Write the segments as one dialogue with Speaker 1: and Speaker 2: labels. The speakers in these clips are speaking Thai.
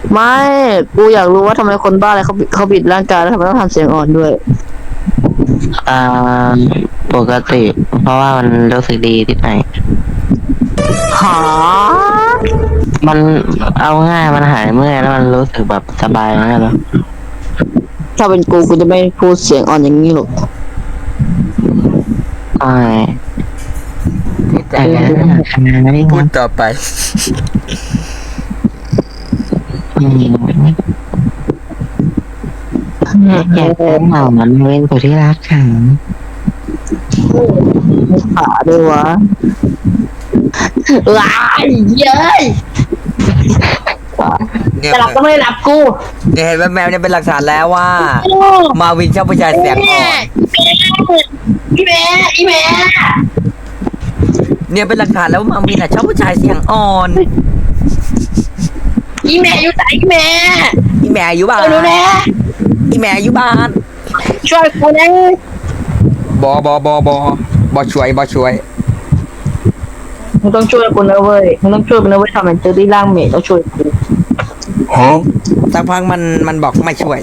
Speaker 1: ไม่กูอยากรู้ว่าทำไมคนบ้าอะไรเขาบิดร่างกายแล้วทำไมต้องทำเสียงอ่อนด้วย
Speaker 2: อ่าปกติเพราะว่ามันรู้สึกดีที่ไหน
Speaker 1: หา
Speaker 2: มันเอาง่ายมันหายเมื่อยแล้วมันรู้สึกแบบสบายมากแล้ว
Speaker 1: ถ้าเป็นกูจะไม่พูดเสียงอ่อนอย่างนี้หรอก
Speaker 2: ใช่แต่ไม่
Speaker 3: พูดต่อไป
Speaker 2: อยากจะเหมามันเป็นคนที่รักฉัน
Speaker 1: ขาด้วยวะว้ายเย้ย
Speaker 3: เนี่ย
Speaker 1: จะหลับก็ไม่ได้หลับกู
Speaker 3: เนี่ยเห็นว่าแมวเนี่ยเป็นหลักฐานแล้วว่า มาวินชอบผู้ชายเสียงอ่อน
Speaker 1: อีแม่อีแม่
Speaker 3: เนี่ยเป็นหลักฐานแล้วว่ามาวินอ่ะชอบผู้ชายเสียงอ่อน
Speaker 1: อีแม่อยู่ไหนอีแม่
Speaker 3: อีแม่อยู่บ้าน
Speaker 1: ดูแล
Speaker 3: อีแม่อยู่บ้าน
Speaker 1: ช่วยกูนะ
Speaker 3: บอช่วย
Speaker 1: มึงต้องช่วยกูนะเว้ยมึงต้องช่วยกูนะเว้ยทำเป็นเจอที่ร่างเมย์ต้องช่วยกู
Speaker 3: สักพักมันบอกไม่ช่วย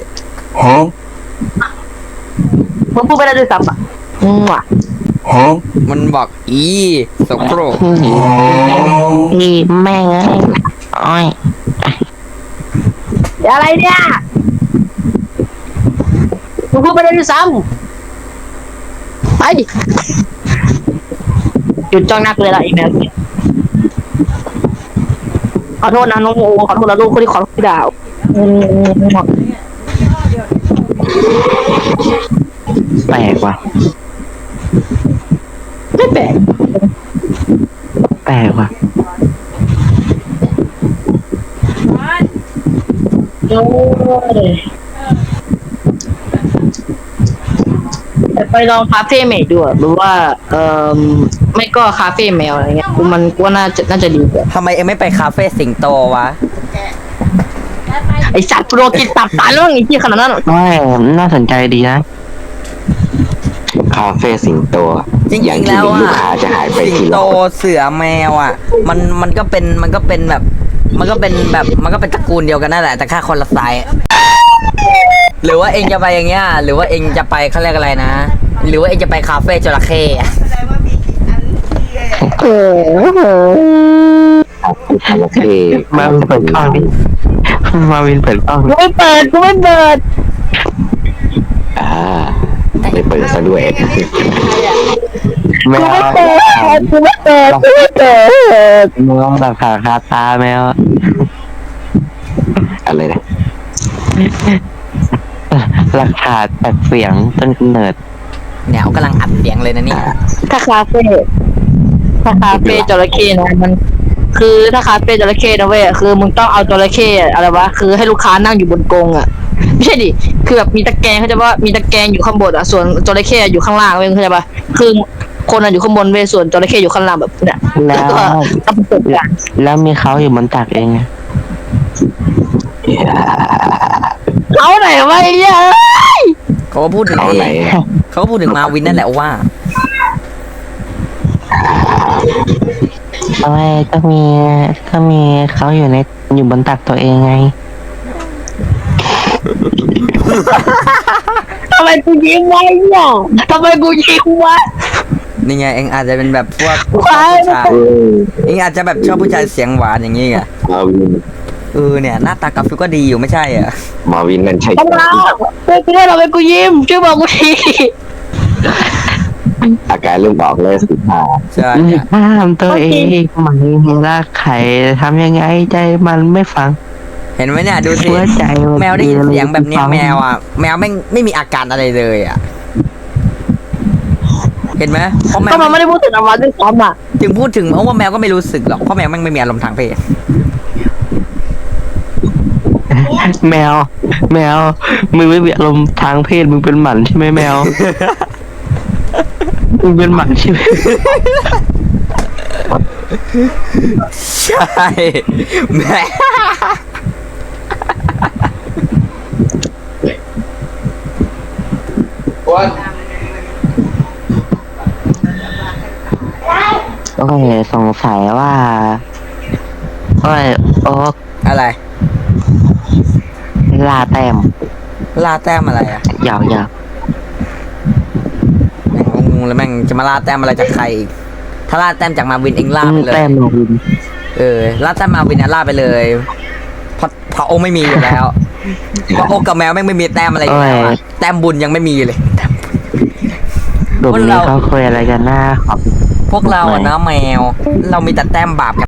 Speaker 1: มึงพูดไม่ได้ด้วยซ้ำอ่ะว่ะ
Speaker 3: มันบอกอีสกปรก
Speaker 2: อีแม่งเอ้ยอ้อย
Speaker 1: อะไรเนี่ยมึงพูดไม่ได้ด้วยซ้ำไปหยุดจ้องหน้ากูเลยล่ะอีแมวขอโทษนะน้องโมขอโทษนะลูกคนที่ขอโทษพี่ดาว
Speaker 2: แปลกว่ะ
Speaker 1: ไม่แปลก
Speaker 2: แปลกว่ะ
Speaker 1: โอ้ยแต่ไปลองคาเฟ่เมดดูหรือว่าไม่ก็คาเฟ่แมวอะไรเงี้ยกูว่าน่าจะดีกว่า
Speaker 3: ทำไมเอ็งไม่ไปคาเฟ่สิงโตวะ
Speaker 1: ไอสัตว์โปรกินตับตายแล้วไอ้ที่ขนาดนั้น
Speaker 2: ไม่น่าสนใจดีนะ
Speaker 4: คาเฟ่สิงโต
Speaker 3: จริ
Speaker 4: อย่าง
Speaker 3: งๆ
Speaker 4: ที่
Speaker 3: แล้ว
Speaker 4: หนึ่งลู
Speaker 3: อ่ะ
Speaker 4: กค้าจะหายไป
Speaker 3: สิง
Speaker 4: ที
Speaker 3: โต
Speaker 4: ละคน
Speaker 3: เสือแมวอ่ะ มันก็เป็นแบบมันก็เป็นตระกูลเดียวกันนั่นแหละแต่แค่คนละสายหรือว่าเองจะไปอย่างเงี้ยหรือว่าเองจะไปเขาเรียกอะไรนะ หรือว่าเองจะไปคาเฟ่จระเข้อะ
Speaker 4: คาเฟ่
Speaker 2: มาวินเปิดกล้องดิมาวินเปิดกล้อง
Speaker 1: กูไม่เปิด
Speaker 4: อ่าไม่เปิดซะด้วย
Speaker 2: แมว
Speaker 1: กูไม่เปิด
Speaker 2: มองแบบขาคาตาแมว
Speaker 4: อะไรนะ
Speaker 2: หลักฐานแบบเสียงต้นกำเนิด
Speaker 3: เนี่ยเขากำลังอัดเสียงเลยนะเนี่ย
Speaker 1: ถ้าคาเฟ่จระเข้นะมันคือถ้าคาเฟ่จระเข้นะเว้ยคือมึงต้องเอาจระเข้อะไรวะคือให้ลูกค้านั่งอยู่บนกรงอ่ะไม่ใช่ดิคือแบบมีตะแกรงเขาจะว่ามีตะแกรงอยู่ข้างบนอ่ะส่วนจระเข้อยู่ข้างล่างเว้ยเข้าใจปะคือคนอยู่ข้างบนเว้ยส่วนจระเข้อยู่ข้างล่างแบบเนี่ย
Speaker 2: แล้ว
Speaker 1: ก็ต้องประสบการณ์
Speaker 2: แล้วมีเขาอยู่บนตักเองไง
Speaker 1: เอาไหนวะไอ้เหี้ย
Speaker 3: เขาก็พูดถึง
Speaker 4: เอาไหน
Speaker 3: เขาก็พูดถึงมาวินนั่นแหละว่า
Speaker 2: ทำไมก็มีเขาอยู่บนตักตัวเองไง
Speaker 1: ทำไมกูยิ้มวะเนี่ยทำไมกูยิ้มวะ
Speaker 3: นี่ไงเองอาจจะเป็นแบบพวก
Speaker 1: ว้าย
Speaker 3: ผู้ชายเองอาจจะแบบชอบผู้ชายเสียงหวานอย่างงี้ไง
Speaker 4: มาวิน
Speaker 3: เนี่ยหน้าตากราฟิกก็ดีอยู่ไม่ใช่เหรอ
Speaker 4: มาวินนั่นใช่
Speaker 1: ทำไมกูได้เราไปกูยิ้มช่วยบอกกูที
Speaker 4: อาการเริ่มออกเลยสิค่ะ
Speaker 3: ใช่เนี่ย
Speaker 2: ห้ามตัวเองมันรักใครทำยังไงใจมันไม่ฟัง
Speaker 3: เห็นไหมเนี่ยดูสิ
Speaker 2: หัวใจมัน
Speaker 3: แมวได้ยินเสียงแบบเนี้ย
Speaker 2: ฟัง
Speaker 3: แมวอ่ะแมวไม่มีอาการอะไรเลยอ่ะเห็นไหมเพราะแม
Speaker 1: ก็
Speaker 3: ว
Speaker 1: มันไม่ได้พูดถึงอวัตด้วยซ้ำอ่ะ
Speaker 3: ถึงพูดถึงเพราะว่าแมวก็ไม่รู้สึกหรอกเพราะแมวไม่มีอารมณ์ทางเพศ
Speaker 2: แมวมึงไม่มีอารมณ์ทางเพศมึงเป็นหมันใช่ไหมแมว มึงเป็นหมันใช่ไหม
Speaker 3: ใช่แม่
Speaker 2: โอเคสงสัยว่าโอ๊ก
Speaker 3: อะไร
Speaker 2: ล่าแต้ม
Speaker 3: ล่าแต้มอะไรอ่ะ
Speaker 2: ยาว
Speaker 3: แม่งงงเลยแม่งจะมาล่าแต้มอะไรจากใครอีกถ้าล่าแต้มจากมาวินเองล่าไปเลย
Speaker 2: แต้มมาวิน
Speaker 3: ล่าแต้มมาวินเนี่ยล่าไปเลยเพราะโอไม่มีอยู่แล้วเพราะโอกับแมวแม่งไม่มีแต้มอะไรอยู่แล้วอะแต้มบุญยังไม่มีเลย
Speaker 2: กลุ่มนี้เขาคุยอะไรกันหน้าขอบ
Speaker 3: พวกเราอะนะแมว เรามีแต่แต้มบาปกับ